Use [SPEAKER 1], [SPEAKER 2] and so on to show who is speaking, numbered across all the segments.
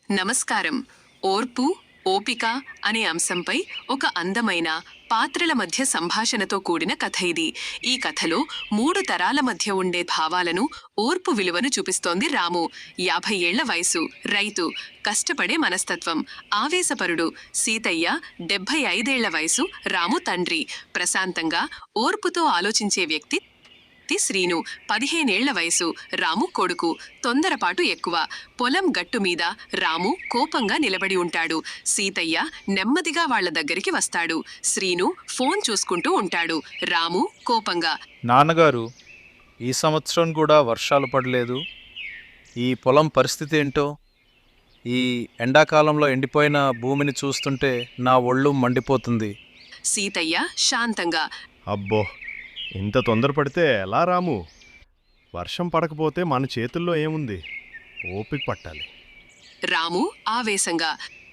[SPEAKER 1] నమస్కారం. ఓర్పు, ఓపిక అనే అంశంపై ఒక అందమైన పాత్రల మధ్య సంభాషణతో కూడిన కథ ఇది. ఈ కథలో 3 తరాల మధ్య ఉండే భావాలను, ఓర్పు విలువను చూపిస్తోంది రాము. 50 ఏళ్ల వయసు, రైతు, కష్టపడే మనస్తత్వం. ఆవేశపరుడు సీతయ్య. 75 ఏళ్ల వయసు, రాము తండ్రి, ప్రశాంతంగా, ఓర్పుతో ఆలోచించే వ్యక్తి శ్రీను. 15 ఏళ్ల వయసు, రాము కొడుకు, తొందరపాటు ఎక్కువ. పొలం గట్టు మీద రాము కోపంగా నిలబడి ఉంటాడు. సీతయ్య నెమ్మదిగా వాళ్ల దగ్గరికి వస్తాడు. శ్రీను ఫోన్ చూసుకుంటూ ఉంటాడు. రాము కోపంగా,
[SPEAKER 2] నాన్నగారు, ఈ సంవత్సరం కూడా వర్షాలు పడలేదు. ఈ పొలం పరిస్థితి ఏంటో? ఈ ఎండాకాలంలో ఎండిపోయిన భూమిని చూస్తుంటే నా ఒళ్ళు మండిపోతుంది.
[SPEAKER 1] సీతయ్య శాంతంగా,
[SPEAKER 3] అబ్బో, ఇంత తొందరపడితే ఎలా రాము? వర్షం పడకపోతే మన చేతుల్లో ఏముంది? ఓపిక పట్టాలి.
[SPEAKER 1] రాము ఆవేశంగా,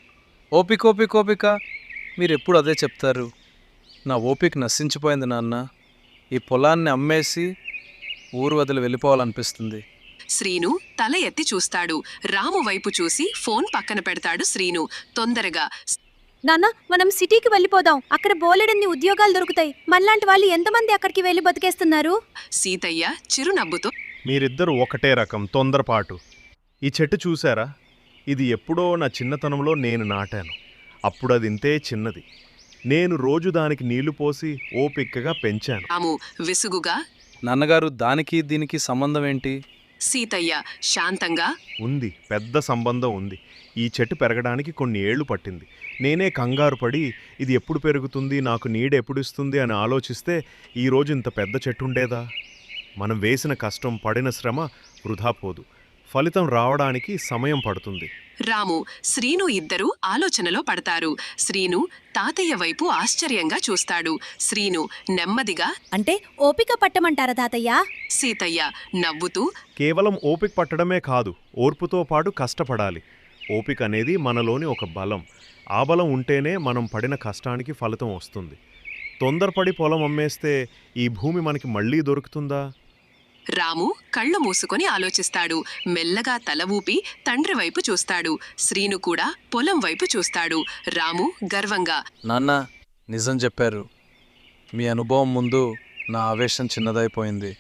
[SPEAKER 2] ఓపిక మీరెప్పుడు అదే చెప్తారు. నా ఓపిక నశించిపోయింది నాన్న. ఈ పొలాన్ని అమ్మేసి ఊరు వదిలి వెళ్ళిపోవాలనిపిస్తుంది.
[SPEAKER 1] శ్రీను తల ఎత్తి చూస్తాడు. రాము వైపు చూసి ఫోన్ పక్కన పెడతాడు శ్రీను. తొందరగా,
[SPEAKER 4] నాన్న, మనం సిటీకి వెళ్ళిపోదాం. అక్కడ బోలెడన్ని ఉద్యోగాలు దొరుకుతాయి. మనలాంటి వాళ్ళు ఎంతమంది అక్కడికి వెళ్ళి బతికేస్తున్నారు?
[SPEAKER 1] సీతయ్య చిరునవ్వుతో,
[SPEAKER 3] మీరిద్దరూ ఒకటే రకం తొందరపాటు. ఈ చెట్టు చూసారా? ఇది ఎప్పుడో నా చిన్నతనంలో నేను నాటాను. అప్పుడు అది ఇంతే చిన్నది. నేను రోజు దానికి నీళ్లు పోసి ఓపికగా పెంచాను.
[SPEAKER 1] రాము విసుగుగా,
[SPEAKER 2] నాన్నగారు, దానికి దీనికి సంబంధం ఏంటి?
[SPEAKER 1] సీతయ్య శాంతంగా,
[SPEAKER 3] ఉంది, పెద్ద సంబంధం ఉంది. ఈ చెట్టు పెరగడానికి కొన్ని ఏళ్లు పట్టింది. నేనే కంగారు పడి ఇది ఎప్పుడు పెరుగుతుంది, నాకు నీడ ఎప్పుడు ఇస్తుంది అని ఆలోచిస్తే ఈరోజు ఇంత పెద్ద చెట్టు ఉండేదా? మనం వేసిన కష్టం, పడిన శ్రమ వృధా పోదు. ఫలితం రావడానికి సమయం పడుతుంది.
[SPEAKER 1] రాము, శ్రీను ఇద్దరూ ఆలోచనలో పడతారు. శ్రీను తాతయ్య వైపు ఆశ్చర్యంగా చూస్తాడు. శ్రీను నెమ్మదిగా,
[SPEAKER 4] అంటే ఓపిక పట్టమంటారా తాతయ్య?
[SPEAKER 1] సీతయ్య నవ్వుతూ,
[SPEAKER 3] కేవలం ఓపిక పట్టడమే కాదు, ఓర్పుతో పాటు కష్టపడాలి. ఓపిక అనేది మనలోని ఒక బలం. ఆ బలం ఉంటేనే మనం పడిన కష్టానికి ఫలితం వస్తుంది. తొందరపడి పొలం అమ్మేస్తే ఈ భూమి మనకి మళ్ళీ దొరుకుతుందా?
[SPEAKER 1] రాము కళ్ళు మూసుకొని ఆలోచిస్తాడు. మెల్లగా తల ఊపి తండ్రి వైపు చూస్తాడు. శ్రీను కూడా పొలం వైపు చూస్తాడు. రాము గర్వంగా,
[SPEAKER 2] నాన్న, నిజం చెప్పారు. మీ అనుభవం ముందు నా ఆవేశం చిన్నదైపోయింది.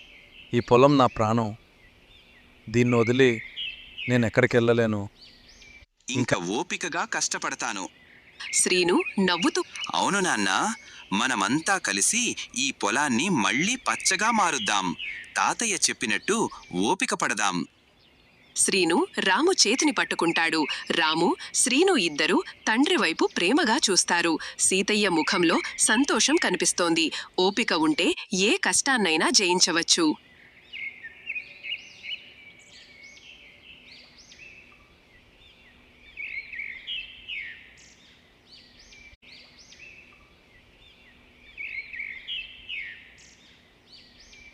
[SPEAKER 2] ఈ పొలం నా ప్రాణం. దీన్ని వదిలి నేను ఎక్కడికి వెళ్ళలేను.
[SPEAKER 5] ఇంకా ఓపికగా కష్టపడతాను.
[SPEAKER 1] శ్రీను నవ్వుతూ,
[SPEAKER 5] అవును నాన్న, మనమంతా కలిసి ఈ పొలాన్ని మళ్ళీ పచ్చగా మారుద్దాం. తాతయ్య చెప్పినట్టు ఓపిక పడదాం.
[SPEAKER 1] శ్రీను రాము చేతిని పట్టుకుంటాడు. రాము, శ్రీను ఇద్దరూ తండ్రి వైపు ప్రేమగా చూస్తారు. సీతయ్య ముఖంలో సంతోషం కనిపిస్తోంది. ఓపిక ఉంటే ఏ కష్టాన్నైనా జయించవచ్చు.